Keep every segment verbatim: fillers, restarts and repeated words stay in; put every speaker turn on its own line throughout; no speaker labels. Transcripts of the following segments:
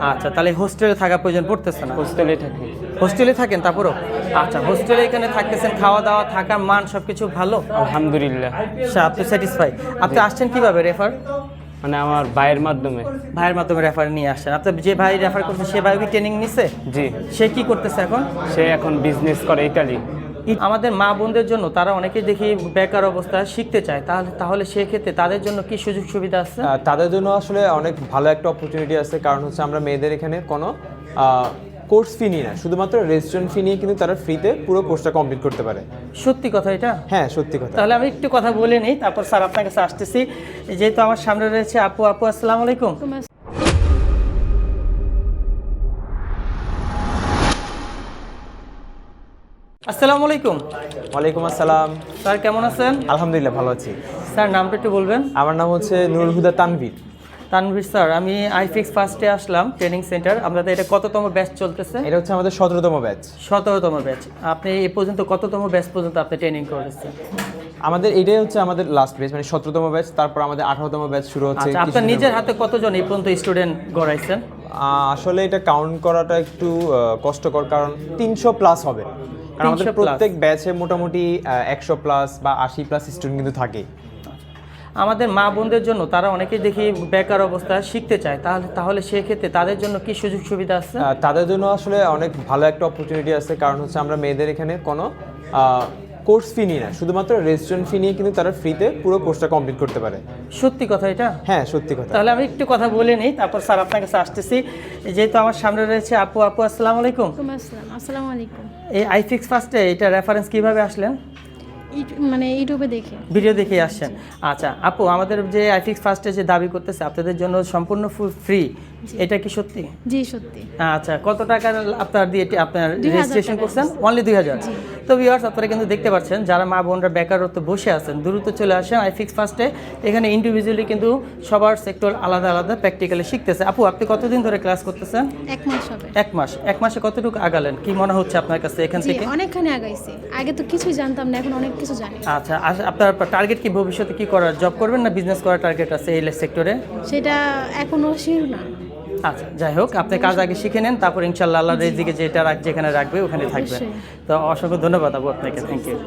আচ্ছা, তাহলে হোস্টেলে থাকা প্রয়োজন পড়তেছে না?
হোস্টেলে থাকি।
হোস্টেলে থাকেন তারপরও? আচ্ছা, হোস্টেলে এখানে থাকতেছেন, খাওয়া দাওয়া থাকার মান সবকিছু ভালো?
আলহামদুলিল্লাহ।
আচ্ছা, আপনি স্যাটিসফাই? আপনি আসছেন কিভাবে? রেফার?
মানে আমার ভাইয়ের মাধ্যমে।
ভাইয়ের মাধ্যমে রেফার নিয়ে আসছেন? আপনি যে ভাই রেফার করছে সে ভাই কি ট্রেনিং নিছে?
জি।
সে কি করতেছে এখন?
সে এখন বিজনেস করে ইতালি।
আমাদের মা বোনদের জন্য তারা অনেকেই দেখি বেকার অবস্থায় শিখতে চায়, তাহলে তাহলে সেক্ষেত্রে তাদের জন্য কি সুযোগ সুবিধা আছে?
আহ, তাদের জন্য আসলে অনেক ভালো একটা অপরচুনিটি আছে, কারণ হচ্ছে আমরা মেয়েদের এখানে কোনো কোর্স ফি নিই না, শুধুমাত্র রেজিস্ট্রেশন ফি নিয়ে কিন্তু তারা ফ্রিতে পুরো কোর্সটা কমপ্লিট করতে পারে।
সত্যি কথা এটা?
হ্যাঁ, সত্যি কথা।
তাহলে আমি একটু কথা বলে নিই, তারপর স্যার আপনার কাছে আসতেছি। যেহেতু আমার সামনে রয়েছে আপু। আপু আসসালামু আলাইকুম। আসসালামু আলাইকুম।
ওয়ালাইকুম আসসালাম।
স্যার কেমন আছেন?
আলহামদুলিল্লাহ, ভালো আছি।
স্যার নামটা একটু বলবেন?
আমার নাম হচ্ছে নুরুল হুদা তানভীর।
তানভীর স্যার, আমি আইফিক্স ফার্স্টে আসলাম ট্রেনিং সেন্টার। আপনাদের এটা কততম ব্যাচ চলতেছে?
এটা হচ্ছে আমাদের সতেরোতম ব্যাচ।
সতেরোতম ব্যাচ। আপনি এ পর্যন্ত কততম ব্যাচ পর্যন্ত আপনি ট্রেনিং করেছেন?
আমাদের এটাই হচ্ছে আমাদের লাস্ট ব্যাচ, মানে সতেরোতম ব্যাচ। তারপর আমাদের আঠারোতম ব্যাচ শুরু হচ্ছে।
আচ্ছা, আপনার নিজের হাতে কতজন এই পর্যন্ত স্টুডেন্ট গড়াইছেন?
আহ, আসলে এটা কাউন্ট করাটা একটু আহ, কষ্টকর, কারণ তিনশো প্লাস হবে। কারণ আমাদের
তিনশো plus?
প্রত্যেক ব্যাচে মোটামুটি একশো প্লাস বা আশি প্লাস স্টুডেন্ট কিন্তু থাকে।
আমাদের মা বোনদের জন্য তারা অনেকেই দেখি বেকার অবস্থায় শিখতে চায়, তাহলে তাহলে সেক্ষেত্রে তাদের জন্য কি সুযোগ সুবিধা আছে?
আহ, তাদের জন্য আসলে অনেক ভালো একটা অপরচুনিটি আছে, কারণ হচ্ছে আমরা মেয়েদের এখানে কোনো কোর্স ফি নিই না, শুধুমাত্র রেজিস্ট্রেশন ফি নিয়ে কিন্তু তারা ফ্রিতে পুরো কোর্সটা কমপ্লিট করতে পারে।
সত্যি কথা এটা?
হ্যাঁ, সত্যি কথা।
তাহলে আমি একটু কথা বলে নিই, তারপর স্যার আপনার কাছে আসতেছি। যেহেতু আমার সামনে রয়েছে আপু। আপু আসসালামু আলাইকুম।
আসসালামু আলাইকুম।
এই আইফিক্স ফার্স্টে এটা রেফারেন্স কিভাবে আসলেন?
মানে ইউটিউবে দেখে,
ভিডিও দেখে আসছেন? আচ্ছা আপু, আমাদের যে আইফিক্স ফার্স্টে যে দাবি করতেছে আপনাদের জন্য সম্পূর্ণ ফ্রি, এটা কি সত্যি?
জি সত্যি।
আচ্ছা, কত টাকা আপনার দিয়ে এটি আপনার রেজিস্ট্রেশন করছেন? অনলি দুই হাজার। তো ভিউয়ার্স, আপনারা কিন্তু দেখতে পাচ্ছেন যারা মা বোনরা বেকারত্ব বসে আছেন, দ্রুত চলে আসেন আইফিক্স ফার্স্টে। এখানে ইন্ডিভিজুয়ালি কিন্তু সবার সেক্টর আলাদা আলাদা প্র্যাকটিক্যালি শিখতেছে। আপু, আপনি কতদিন ধরে ক্লাস করতেছেন?
এক মাস হবে।
এক মাস। এক মাসে কতটুকু আগালেন? কি মনে হচ্ছে আপনার কাছে এখান থেকে?
অনেকখানি আগাইছি। আগে তো কিছুই জানতাম না, এখন অনেক কিছু জানি।
আচ্ছা, আপনার টার্গেট কি ভবিষ্যতে কি করার? জব করবেন না বিজনেস করার টার্গেট আছে এই সেক্টরে?
সেটা এখনো শিওর না।
আচ্ছা, যাই হোক, আপনি কাজ আগে শিখে নেন, তারপর ইনশাল্লাহ আল্লাহ রিজিকে যেটা রাখ যেখানে রাখবে ওখানে থাকবে। তো অসংখ্য ধন্যবাদ আপু আপনাকে। Thank you.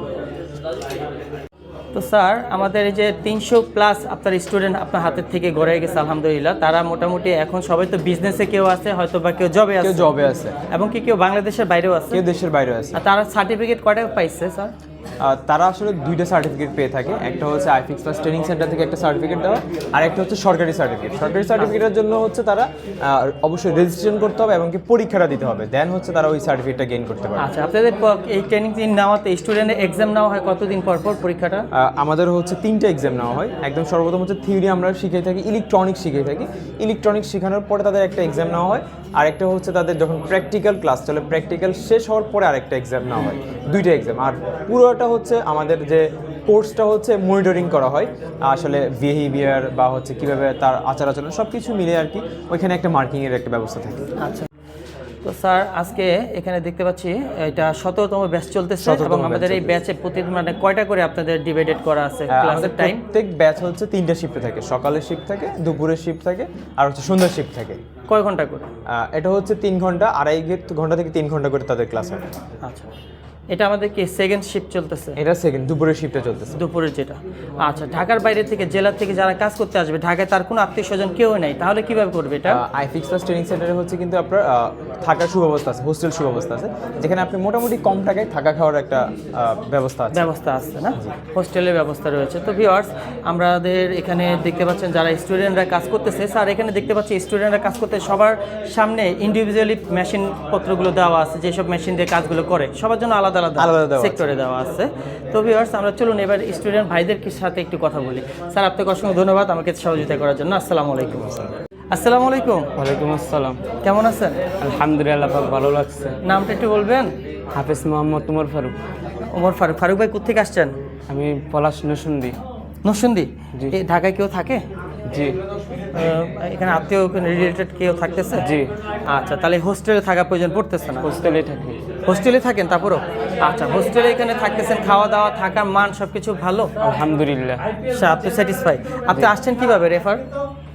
তো স্যার, আমাদের এই যে তিনশো প্লাস আপনার স্টুডেন্ট আপনার হাতের থেকে গড়ে গেছে আলহামদুলিল্লাহ। তারা মোটামুটি এখন সবাই তো বিজনেসে, কেউ আছে হয়তো বা কেউ জবে আছে।
কেউ জবে আছে
এবং কি কেউ বাংলাদেশের বাইরেও আছে।
কেউ দেশের বাইরেও আছে।
আর তারা সার্টিফিকেট কয়টা পাইছে স্যার?
আহ, তারা আসলে দুইটা সার্টিফিকেট পেয়ে থাকে। একটা হচ্ছে আইফিক্স প্লাস ট্রেনিং সেন্টার থেকে একটা সার্টিফিকেট দেওয়া, আর একটা হচ্ছে সরকারি সার্টিফিকেট। সরকারি সার্টিফিকেটের জন্য হচ্ছে তারা আহ, অবশ্যই রেজিস্ট্রেশন করতে হবে এবং কি পরীক্ষাটা দিতে হবে, দেন হচ্ছে তারা ওই সার্টিফিকেটটা গেইন করতে পারে।
আচ্ছা, আপনাদের প- এই ট্রেনিং দিন নেওয়াতে স্টুডেন্টের এক্সাম নেওয়া হয় কতদিন পর পর পরীক্ষাটা?
আহ, আমাদের হচ্ছে তিনটা এক্সাম নেওয়া হয়। একদম সর্বপ্রথম হচ্ছে থিওরি আমরা শিখে থাকি, ইলেকট্রনিক্স শিখে থাকি। ইলেকট্রনিক্স শেখানোর পরে তাদের একটা এক্সাম নেওয়া হয়, আর একটা হচ্ছে তাদের যখন প্র্যাকটিক্যাল ক্লাস চলে, প্র্যাকটিক্যাল শেষ হওয়ার পরে আরেকটা এক্সাম নেওয়া হয়। দুইটা এক্সাম। আর পুরোটা হচ্ছে আমাদের যে কোর্সটা হচ্ছে মনিটরিং করা হয়, আসলে বিহেভিয়ার বা হচ্ছে কীভাবে তার আচার আচরণ সব কিছু মিলে আর কি, ওইখানে একটা মার্কিংয়ের একটা ব্যবস্থা থাকে।
আচ্ছা, তো স্যার আজকে এখানে দেখতে পাচ্ছি এটা সতেরোতম ব্যাচ চলতেছে, এবং আমাদের এই ব্যাচে প্রতি মানে কয়টা করে আপনাদের ডিভাইডেড করা আছে ক্লাসের টাইম?
প্রত্যেক ব্যাচ হচ্ছে তিনটা শিফটে থাকে। সকালের শিফট থাকে, দুপুরের শিফট থাকে, আর হচ্ছে সন্ধ্যার শিফট থাকে।
কয় ঘন্টা করে?
এটা হচ্ছে তিন ঘন্টা, আড়াই ঘন্টা থেকে তিন ঘন্টা করে তাদের ক্লাস হয়।
আচ্ছা, এটা আমাদের কি সেকেন্ড শিফট চলতেছে?
এটা সেকেন্ড, দুপুরের শিফটে চলতেছে।
দুপুরের যেটা। আচ্ছা, ঢাকার বাইরে থেকে, জেলা থেকে যারা কাজ করতে আসবে, ঢাকায় তার কোনো আত্মীয় স্বজন কেউ নেই, তাহলে কিভাবে করবে এটা?
আইফিক্স প্লাস ট্রেনিং সেন্টারে হচ্ছে কিন্তু আপনার আহ, থাকার সুব্যবস্থা আছে, হোস্টেল সুব্যবস্থা আছে, যেখানে আপনি মোটামুটি কম টাকায় থাকা খাওয়ার একটা আহ, ব্যবস্থা আছে।
ব্যবস্থা আছে না? হোস্টেলের ব্যবস্থা রয়েছে। তো ভিউয়ার্স, আমাদের এখানে দেখতে পাচ্ছেন যারা স্টুডেন্টরা কাজ করতেছে। স্যার, এখানে দেখতে পাচ্ছি স্টুডেন্টরা কাজ করতে সবার সামনে ইন্ডিভিজুয়ালি মেশিন পত্রগুলো দেওয়া আছে, যেসব মেশিন দিয়ে কাজগুলো করে সবার জন্য আলাদা আলাদা
আলাদা দেওয়া
সেক্টরে দেওয়া আছে। তো ভিউয়ার্স, আমরা চলুন এবার স্টুডেন্ট ভাইদের সাথে একটু কথা বলি। স্যার, আপনাকে অসংখ্য ধন্যবাদ আমাকে সহযোগিতা করার জন্য। আসসালামু আলাইকুম। আসসালামু আলাইকুম।
ওয়ালাইকুম আসসালাম।
কেমন আছেন?
আলহামদুলিল্লাহ, ভালো লাগছে।
নামটা একটু বলবেন?
হাফেজ মোহাম্মদ উমর ফারুক।
ওমর ফারুক। ফারুক ভাই কোথেকে আসছেন?
আমি পলাশ নসুন্দি।
নরসিংদী?
জি।
এই ঢাকায় কেউ থাকে?
জি।
আহ, এখানে আত্মীয় রিলেটেড কেউ থাকতেছে?
জি।
আচ্ছা, তাহলে হোস্টেলে থাকা প্রয়োজন পড়তেছে না?
হোস্টেলে থাকি।
হোস্টেলে থাকেন তারপরও? আচ্ছা, হোস্টেলে এখানে থাকতেছেন, খাওয়া দাওয়া থাকার মান সবকিছু ভালো?
আলহামদুলিল্লাহ।
আচ্ছা, আপনি স্যাটিসফাই? আপনি আসছেন কিভাবে? রেফার?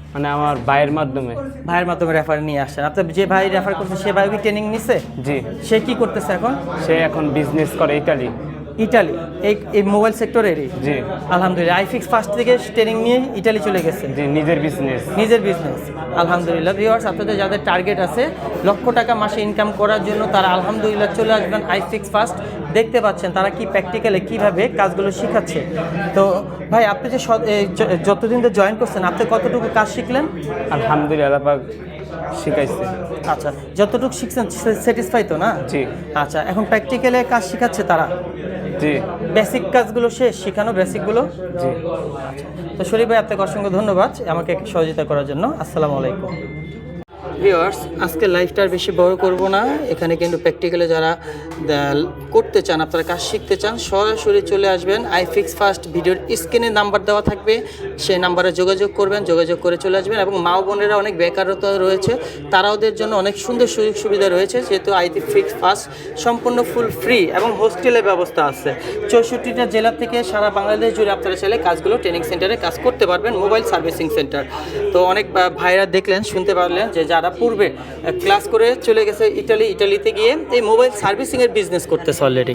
মানে আমার ভাইয়ের মাধ্যমে।
ভাইয়ের মাধ্যমে রেফার নিয়ে আসছেন। আপনি যে ভাই রেফার করছে সে ভাই কি ট্রেনিং নিছে?
জি,
সে কি করতেছে এখন?
সে এখন বিজনেস করে ইতালি।
ইটালি, এই এই মোবাইল সেক্টরেরই?
জি
আলহামদুলিল্লাহ। আইফিক্স ফার্স্ট থেকে ট্রেনিং নিয়ে ইটালি চলে গেছে,
জি, নিজের বিজনেস।
নিজের বিজনেস। আলহামদুলিল্লাহ। ভিউয়ার্স, আপনাদের যাদের টার্গেট আছে লক্ষ টাকা মাসে ইনকাম করার জন্য, তারা আলহামদুলিল্লাহ চলে আসবেন আইফিক্স ফার্স্ট। দেখতে পাচ্ছেন তারা কি প্র্যাকটিক্যালি কীভাবে কাজগুলো শেখাচ্ছে। তো ভাই, আপনি যে স- এই য- যতদিন ধরে জয়েন করছেন, আপনি কতটুকু কাজ শিখলেন?
আলহামদুলিল্লাহ পাক শিখাইছে।
আচ্ছা, যতটুকু শিখছেন স্যাটিসফাই তো না?
জি
আচ্ছা, এখন প্র্যাকটিক্যালে কাজ শেখাচ্ছে তারা?
জি
বেসিক কাজগুলো শেষ শেখানো, বেসিকগুলো?
জি।
তো শরীফ ভাই, আপনাকে অসংখ্য ধন্যবাদ আমাকে সহযোগিতা করার জন্য। আসসালামু আলাইকুম। ভিউয়ার্স, আজকে লাইভটা আর বেশি বড় করব না। এখানে কিন্তু প্র্যাকটিক্যালে যারা দা- করতে চান, আপনারা কাজ শিখতে চান, সরাসরি চলে আসবেন আইফিক্স ফার্স্ট। ভিডিওর স্ক্রিনে নাম্বার দেওয়া থাকবে, সেই নাম্বারে যোগাযোগ করবেন, যোগাযোগ করে চলে আসবেন। এবং মা বোনেরা অনেক বেকারত্ব রয়েছে, তারা ওদের জন্য অনেক সুন্দর সুযোগ সুবিধা রয়েছে, যেহেতু আইফিক্স ফার্স্ট সম্পূর্ণ ফুল ফ্রি এবং হোস্টেলের ব্যবস্থা আছে। চৌষট্টিটা জেলা থেকে সারা বাংলাদেশ জুড়ে আপনারা চাইলে কাজগুলো ট্রেনিং সেন্টারে কাজ করতে পারবেন, মোবাইল সার্ভিসিং সেন্টার। তো অনেক ভা- ভাইরা দেখলেন, শুনতে পারলেন যে যারা পূর্বে ক্লাস করে চলে গেছে ইটালি, ইটালিতে গিয়ে এই মোবাইল সার্ভিসিংয়ের বিজনেস করতেছে অলরেডি।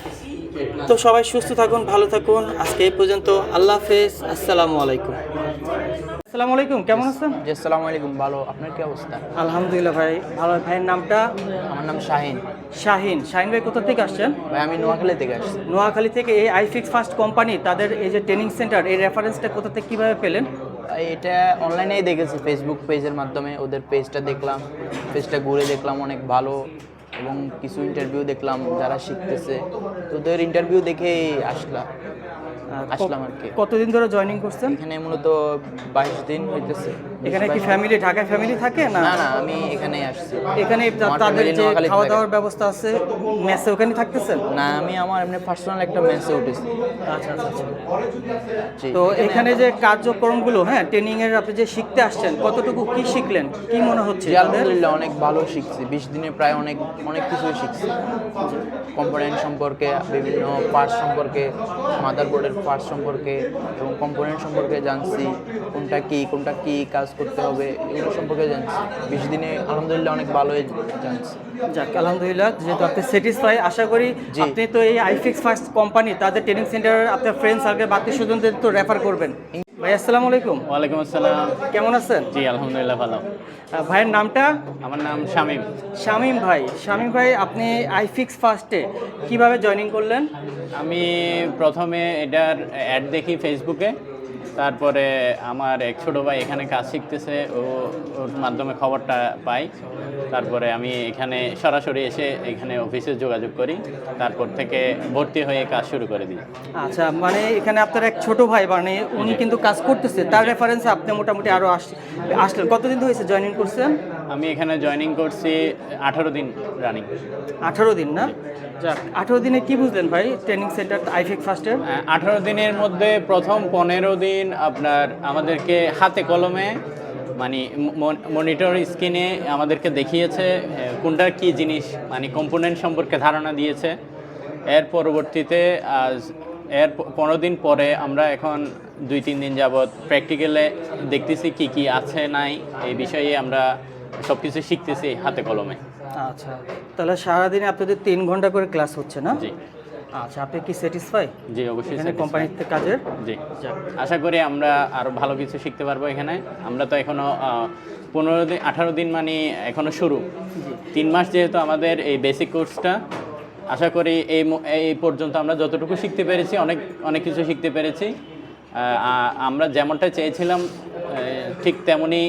তো সবাই সুস্থ থাকুন, ভালো থাকুন। আজকে এই পর্যন্ত। আল্লাহ হাফেজ। আসসালামু আলাইকুম। আসসালামু আলাইকুম, কেমন আছেন?
জি, আসসালামু আলাইকুম। ভালো, আপনার কি অবস্থা?
আলহামদুলিল্লাহ ভাই, ভালো। ভাইয়ের নামটা?
আমার নাম শাহিন।
শাহিন। শাহিন ভাই কোথা থেকে আসছেন?
ভাই আমি নোয়াখালী থেকে আসছি।
নোয়াখালী থেকে। এই আইফিক্স ফার্স্ট কোম্পানি, তাদের এই যে ট্রেনিং সেন্টার, এই রেফারেন্সটা কোথা থেকে কীভাবে পেলেন?
ভাই, এটা অনলাইনেই দেখেছি, ফেসবুক পেজের মাধ্যমে ওদের পেজটা দেখলাম, পেজটা ঘুরে দেখলাম, অনেক ভালো। এবং কিছু ইন্টারভিউ দেখলাম যারা শিখতেছে, তো ওদের ইন্টারভিউ দেখেই আসলাম আসলাম আর কি।
কতদিন ধরে জয়েনিং করছেন?
এখানে মূলত বাইশ দিন হইতেছে।
এখানে কি ফ্যামিলি, ঢাকায় ফ্যামিলি থাকে না?
না না, আমি এখানেই আসছি।
এখানে তা-
আমার
তাদের
family
যে
নোয়াখালীতে
খাওয়া
থাকে।
দাওয়ার ব্যবস্থা আছে, মেসে ওখানে থাকতেছেন?
না, আমি আমার এমনি পার্সোনাল একটা মেসে উঠেছি।
আচ্ছা আচ্ছা আচ্ছা।
জি।
তো এখানে যে কার্যক্রমগুলো, হ্যাঁ ট্রেনিং এর আপনি যে শিখতে আসছেন, কতটুকু কি শিখলেন, কি মনে হচ্ছে
জি,
তাদের?
আলহামদুলিল্লাহ অনেক ভালো শিখছি। বিশ দিনে প্রায় অনেক অনেক কিছুই শিখছি। কম্পোনেন্ট সম্পর্কে, বিভিন্ন পার্টস সম্পর্কে, মাদারবোর্ডের পার্টস সম্পর্কে এবং কম্পোনেন্ট সম্পর্কে জানছি, কোনটা কি কোনটা কি কাজ করতে হবে এগুলো সম্পর্কে জানছি। বিশ দিনে আলহামদুলিল্লাহ অনেক ভালোই জানছি।
যাক, আলহামদুলিল্লাহ। যেহেতু আপনি স্যাটিসফাই, আশা করি
জি।
আপনি তো এই আইফিক্স ফার্স্ট কোম্পানি, তাদের ট্রেনিং সেন্টার আপনার ফ্রেন্ড সার্কেল, আত্মীয় স্বজনদের তো রেফার করবেন। ভাই আসসালামু আলাইকুম।
ওয়ালাইকুম আসসালাম।
কেমন আছেন?
জি আলহামদুলিল্লাহ ভালো।
আহ, ভাইয়ের নামটা?
আমার নাম শামীম।
শামীম ভাই। শামীম ভাই, আপনি আইফিক্স ফার্স্টে কিভাবে জয়েনিং করলেন?
আমি প্রথমে এটার অ্যাড দেখি ফেসবুকে, তারপরে আমার এক ছোটো ভাই এখানে কাজ শিখতেছে, ও ওর মাধ্যমে খবরটা পাই। তারপরে আমি এখানে সরাসরি এসে এখানে অফিসে যোগাযোগ করি, তারপর থেকে ভর্তি হয়ে কাজ শুরু করে দিই।
আচ্ছা, মানে এখানে আপনার এক ছোট ভাই, মানে উনি কিন্তু কাজ করতেছে, তার রেফারেন্সে আপনি মোটামুটি আরও আসলেন। কতদিন হয়েছে জয়েনিং করছেন?
আমি এখানে জয়েনিং করছি আঠারো দিন রানিং।
আঠারো দিন না? যাক, আঠারো দিনে কি বুঝলেন ভাই ট্রেনিং সেন্টার আইফিক্স ফার্স্টের?
আঠারো দিনের মধ্যে প্রথম পনেরো দিন আপনার আমাদেরকে হাতে কলমে, মানে মনিটর স্ক্রিনে আমাদেরকে দেখিয়েছে এ, কোনটার কি জিনিস, মানে কম্পোনেন্ট সম্পর্কে ধারণা দিয়েছে। এর পরবর্তীতে আজ এর প- পনেরো দিন পরে আমরা এখন দুই তিন দিন যাবৎ প্র্যাকটিক্যালে দেখতেছি কি কি আছে নাই, এই বিষয়ে আমরা সব কিছু শিখতেছি হাতে কলমে।
আচ্ছা, তাহলে সারাদিনে আপনাদের তিন ঘন্টা করে ক্লাস হচ্ছে না?
জি
আচ্ছা, আপনি কি স্যাটিসফাই
জি অবশ্যই
এখানে
satisfied।
কোম্পানিতে কাজের?
জি,
যাক,
আশা করি আমরা আরও ভালো কিছু শিখতে পারবো এখানে। আমরা তো এখনও পনেরো দিন আঠারো দিন মানে এখনও শুরু, তিন মাস যেহেতু আমাদের এই বেসিক কোর্সটা, আশা করি এই ম- এই পর্যন্ত আমরা যতটুকু শিখতে পেরেছি, অনেক অনেক কিছু শিখতে পেরেছি। আহ, আ- আমরা যেমনটা চেয়েছিলাম আহ, ঠিক তেমনই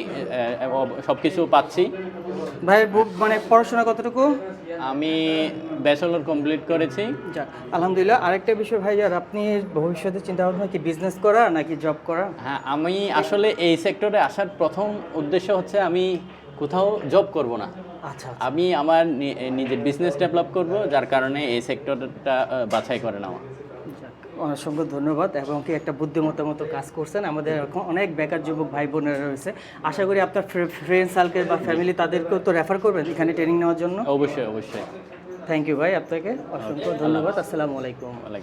সব কিছু পাচ্ছি।
ভাই বু- মানে পড়াশোনা কতটুকু?
আমি ব্যাচেলর কমপ্লিট করেছি।
যাক, আলহামদুলিল্লাহ। আরেকটা বিষয় ভাই, আর আপনি ভবিষ্যতে চিন্তা ভাবনা কি বিজনেস করা নাকি জব করা?
হ্যাঁ, আমি আসলে এই সেক্টরে আসার প্রথম উদ্দেশ্য হচ্ছে আমি কোথাও জব করব না,
আচ্ছা,
আমি আমার নি- নিজের বিজনেস ডেভেলপ করব, যার কারণে এই সেক্টরটা আহ, বাছাই করে নেওয়া।
অসংখ্য ধন্যবাদ। এবং কি একটা বুদ্ধিমত্তার মতো কাজ করছেন। আমাদের এখন অনেক বেকার যুবক ভাই বোনেরা রয়েছে, আশা করি আপনার ফ্রেন্ড সার্কেল বা ফ্যামিলি তাদেরকেও তো রেফার করবেন এখানে ট্রেনিং নেওয়ার জন্য।
অবশ্যই অবশ্যই।
থ্যাংক ইউ ভাই, আপনাকে অসংখ্য ধন্যবাদ। আসসালামু আলাইকুম।